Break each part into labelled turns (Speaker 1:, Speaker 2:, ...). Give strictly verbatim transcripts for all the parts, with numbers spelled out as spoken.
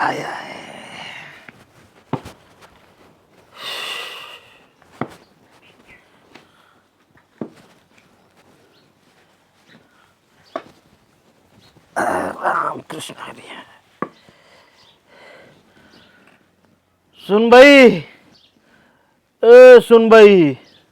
Speaker 1: I I Ramakrishna Hari. सुनबाई, ए सुनबाई,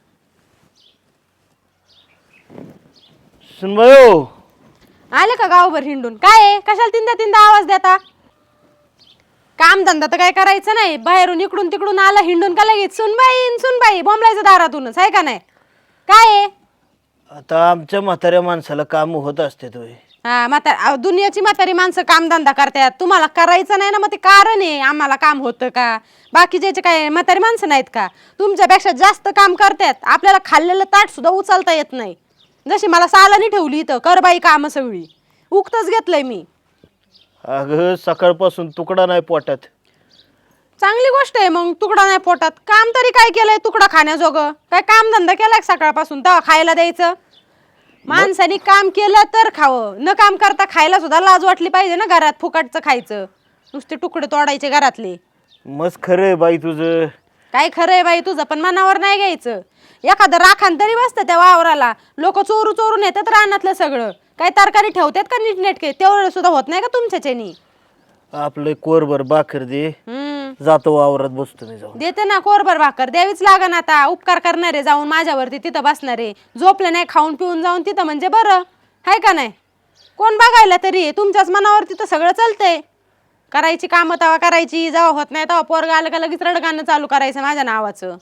Speaker 1: सुनबाई हो.
Speaker 2: आले का गावभर हिंडून? काय आहे? कशाला तीनदा तीनदा आवाज देता? काम धंदा तर काय करायचं नाही, बाहेरून इकडून तिकडून आला हिंडून का लगेच सुनबाई सुनबाई बोंबलायचं दारातूनच आहे का नाही? काय आहे?
Speaker 1: आता आमच्या म्हाताऱ्या माणसाला काम होत असते तो.
Speaker 2: हा म्हातार दुनियाची म्हातारी माणसं काम धंदा करतात, तुम्हाला करायचं नाही ना, मग ते कारण आहे आम्हाला काम होतं का? बाकीचे काय म्हातारी माणसं नाहीत का? तुमच्यापेक्षा जास्त काम करतात, आपल्याला खाल्लेलं ताट सुद्धा उचलता येत नाही. जशी मला सालानी ठेवली इथं कर बाई काम सगळी, उगतच घेतलंय मी.
Speaker 1: अगं सकाळपासून तुकडा नाही पोटात.
Speaker 2: चांगली गोष्ट आहे मग, तुकडा नाही पोटात. काम तरी काय केलंय तुकडा खाण्याजोगं? काय काम धंदा केलाय सकाळपासून तेव्हा खायला द्यायचं? माणसाने काम केलं तर खावं, न काम करता खायला सुद्धा लाज वाटली पाहिजे ना. घरात फुकटचं खायचं, नुसते तुकडे तोडायचे घरातले.
Speaker 1: मस्त खरं आहे बाई तुझं.
Speaker 2: काय खरंय बाई तुझं, पण मनावर नाही घ्यायचं. एखादं राखान तरी बसतं त्या वावराला, लोक चोरू चोरून येतात रानातलं सगळं. काय तरकारी ठेवतात का नीटनेटके? तेवढं सुद्धा होत नाही का तुमच्याच्यानी?
Speaker 1: आपलं कोरभर भाकर दे,
Speaker 2: हम्म
Speaker 1: जातो वावरात बसतो मी जाऊन.
Speaker 2: देते ना कोरभर भाकर, द्यावीच लागन आता. उपकार करणारे जाऊन माझ्यावरती तिथं बसणारे, झोपले नाही खाऊन पिऊन जाऊन तिथं म्हणजे बरं आहे का नाही? कोण बघायला तरी? तुमच्याच मनावर तिथं सगळं चालतंय. करायची कामं तवा करायची, जेव्हा होत नाही तेव्हा पोरगा आलं का लगेच रडगाणं चालू करायचं माझ्या नावाचं.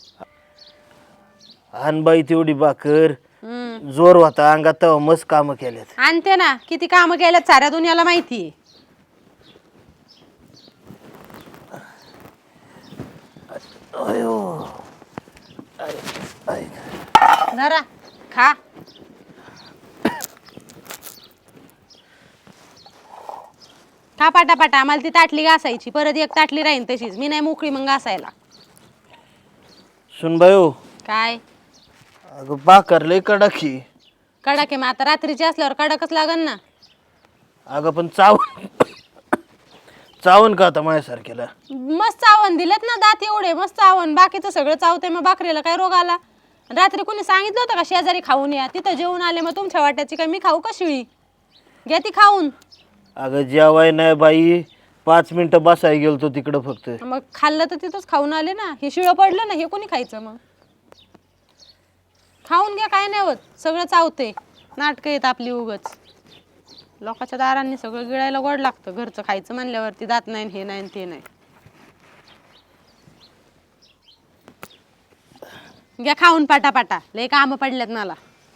Speaker 1: आण बाई तेवढी भाकर,
Speaker 2: हम्म
Speaker 1: जोर होता अंगात तेव्हा मस्त कामं केल्यात.
Speaker 2: आणते ना, किती कामं केल्यात साऱ्या दुनियाला माहिती.
Speaker 1: अयो
Speaker 2: जरा खा. खा पाटापाटा, आम्हाला ती ताटली घासायची, परत एक ताटली राहीन तशीच, मी नाही मोकळी मग घासायला.
Speaker 1: सुनबाई हो.
Speaker 2: काय
Speaker 1: अगं भाकर लय कडकी.
Speaker 2: कडक आहे मग आता, रात्रीची असल्यावर कडकच लागन ना.
Speaker 1: अगं पण चावून चावून का आता माझ्यासारख्याला?
Speaker 2: मस्त चावण दिलेत ना दात एवढे, मस्त चावण. बाकीचं सगळं चावते, मग भाकरीला काय रोग आला? रात्री कोणी सांगितलं होतं का शेजारी खाऊन या? तिथं जेवून आले, मग तुमच्या वाट्याची काय मी खाऊ का शिळी? घ्या ती खाऊन.
Speaker 1: अगं जेवाय नाही बाई, पाच मिनिटं बसाय गेलतो तिकडं फक्त.
Speaker 2: मग खाल्लं तर तिथंच खाऊन आले ना. हे शिळं पडलं ना, हे कोणी खायचं? मग खाऊन घ्या, काय नाही होत. सगळं चावते, नाटकं येत आपली उगच. लोकांच्या दारांनी सगळं गिळायला गोड लागतं, घरचं खायचं म्हणल्यावरती दात नाही हे नाही ते नाही. घ्या खाऊन पाटापाटा, लय कामं पडल्यात मला.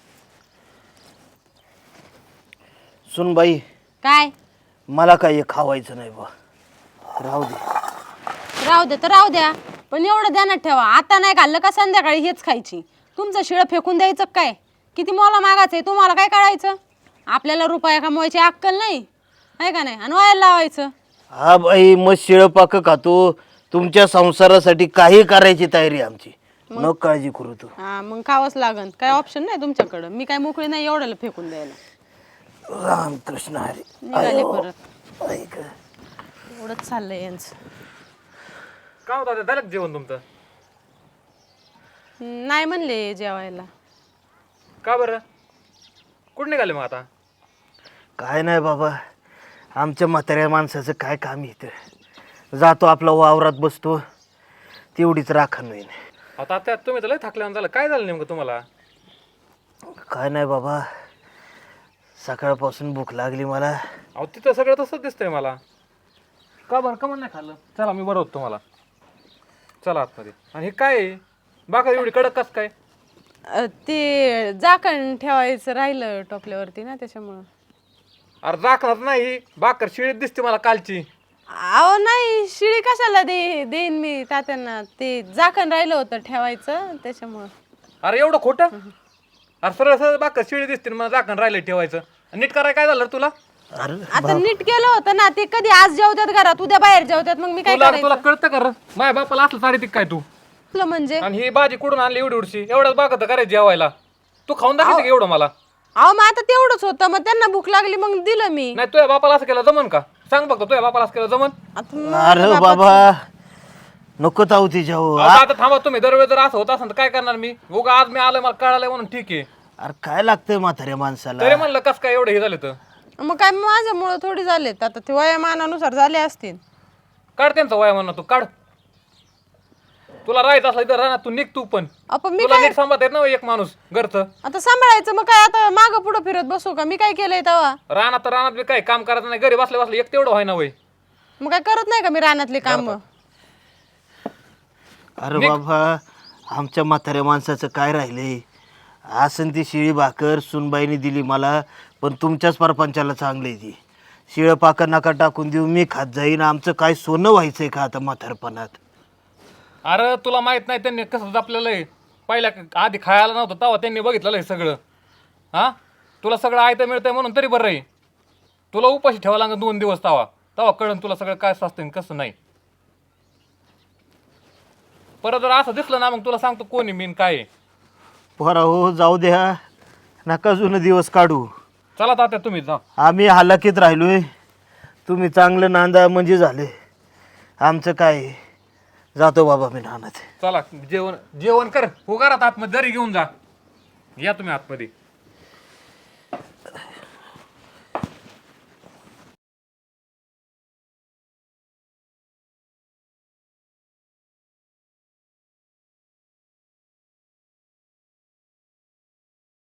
Speaker 1: सुनबाई
Speaker 2: काय
Speaker 1: मला काय हे खावायचं नाही बा, राहू दे.
Speaker 2: राहू दे तर राहू द्या, पण एवढं ध्यानात ठेवा, आता नाही खाल्लं का संध्याकाळी हेच खायची. तुमचं शिळं फेकून द्यायचं काय? किती मोला मागायचंय तुम्हाला, काय कळायचं? आपल्याला रुपया कमवायची अक्कल नाही आहे का नाही, आणि वायाला लावायचं.
Speaker 1: हा बाई, मग शिळं पाक खातो. तुमच्या संसारासाठी काही करायची तयारी आमची, न काळजी करू तू.
Speaker 2: हा मग खावंच लागन, काय ऑप्शन नाही तुमच्याकडं. मी काय मोकळी नाही एवढ्याला फेकून द्यायला.
Speaker 1: रामकृष्ण हरी.
Speaker 2: निघाले परत,
Speaker 1: ऐक
Speaker 2: एवढंच चाललंय यांचं.
Speaker 3: काय होतं झालं जेवण तुमचं?
Speaker 2: नाही म्हणले जेवायला.
Speaker 3: का बरं? कुठं निघाले मग आता?
Speaker 1: काय नाही बाबा, आमच्या म्हाताऱ्या माणसाचं काय काम इथं. जातो आपला वावरात बसतो, तेवढीच राखण होईन.
Speaker 3: आता त्यात तुम्ही तर लय थकल्यानं झालं. काय झालं नेमकं तुम्हाला?
Speaker 1: काय नाही बाबा, सकाळपासून भूक लागली मला.
Speaker 3: अहो तिथं सगळं तसंच दिसतंय मला. का बरं का नाही खाल्लं? चला मी बरं होतो तुम्हाला. चला आतमध्ये. आणि हे काय आहे? बाका एवढी कडक कस काय?
Speaker 2: अ, ते झाकण ठेवायचं राहिलं टोपल्यावरती ना, त्याच्यामुळं.
Speaker 3: अरे राखणार नाही, बाकर शिळीत दिसते मला कालची.
Speaker 2: अहो नाही, शिळी कशाला दे देईन मी तात्यांना, ते झाकण राहिलं होतं ठेवायचं त्याच्यामुळं.
Speaker 3: अरे एवढं खोटं? अरे सरळ सरळ बाकर शिळी दिसते मला झाकण राहिलं ठेवायचं. नीट करायला काय झालं तुला?
Speaker 1: अरे
Speaker 2: आता नीट केलं होतं ना, ते कधी आज जेवतात घरात, उद्या बाहेर जेवतात, मग मी काय
Speaker 3: तुला
Speaker 2: करायचं?
Speaker 3: तुला कळतं का? माझ्या बापाला असलं साडी ती काय तू?
Speaker 2: म्हणजे
Speaker 3: आणि ही भाजी कुठून आणली एवढी उडशी? एवढंच बागत करायची जेवायला. तू खाऊन दाखवते का एवढं मला?
Speaker 2: अहो मग आता तेवढंच होतं, मग त्यांना भूक लागली मग दिलं मी.
Speaker 3: नाही तुझ्या बापाला असं केलं जमन का? सांग बघतो तुझ्या बापाला असं केलं जमन.
Speaker 2: आता माझ्या
Speaker 1: अरे
Speaker 2: बापाचं-
Speaker 1: बाबा नको ताऊ तिच्यावर
Speaker 3: अहो, आता थांबा तुम्ही दरवेळी जर असं होत असेल तर काय करणार मी उगा आज मी आलोय मला कळालंय म्हणून ठीक आहे.
Speaker 1: अरे काय लागतंय म्हाताऱ्या माणसाला
Speaker 3: तरी म्हणलं कस काय एवढं हे झालं तर
Speaker 2: मग काय माझ्यामुळं थोडी झालेत आता ते वयामानानुसार झाले असतील.
Speaker 3: काढ त्यांचा वया म्हणणं तू काढ. तुला राहायचं असलं तर राहणार तू निघ तू पण.
Speaker 2: आपण मी
Speaker 3: तुला नीट सांभाळता येत ना एक माणूस घरचं.
Speaker 2: आता सांभाळायचं मग काय आता मागं पुढं फिरत बसू का मी काय केलंय तेव्हा.
Speaker 3: रानात तर रानात बी काय काम करायचं नाही घरी बसले बसले एक तेवढं व्हाय ना वय.
Speaker 2: मग काय करत नाही का मी रानातली काम.
Speaker 1: अरे बाबा आमच्या म्हाताऱ्या माणसाचं काय राहिलंय आसन ती शिळी भाकर सुनबाईने दिली मला पण तुमच्याच परपंचाला चांगली ती शिळं पाकर नका टाकून देऊ मी खात जाईन आमचं काय सोनं व्हायचंय का आता म्हातारपणात.
Speaker 3: अरे तुला माहित नाही त्यांनी कसं जपलेलं आहे पहिल्या आधी खायला नव्हतं तेव्हा त्यांनी बघितलेलं आहे सगळं. हा तुला सगळं आयतं मिळतंय म्हणून तरी बरं आहे. तुला उपाशी ठेवा लागेल दोन दिवस तवा तवा कळण तुला सगळं काय असतं कसं नाही. परत जर असं दिसलं ना मग तुला सांगतो कोणी मीन काय आहे.
Speaker 1: पोरा हो जाऊ द्या नका जुनं दिवस काढू
Speaker 3: चला तात्या तुम्ही जा.
Speaker 1: आम्ही हालाकीत राहिलोय तुम्ही चांगलं नांदा म्हणजे झाले आमचं काय आहे? जातो बाबा मी नानात.
Speaker 3: चला जेवण जेवण कर उगारात आतमध्ये जरी घेऊन जा या तुम्ही आतमध्ये.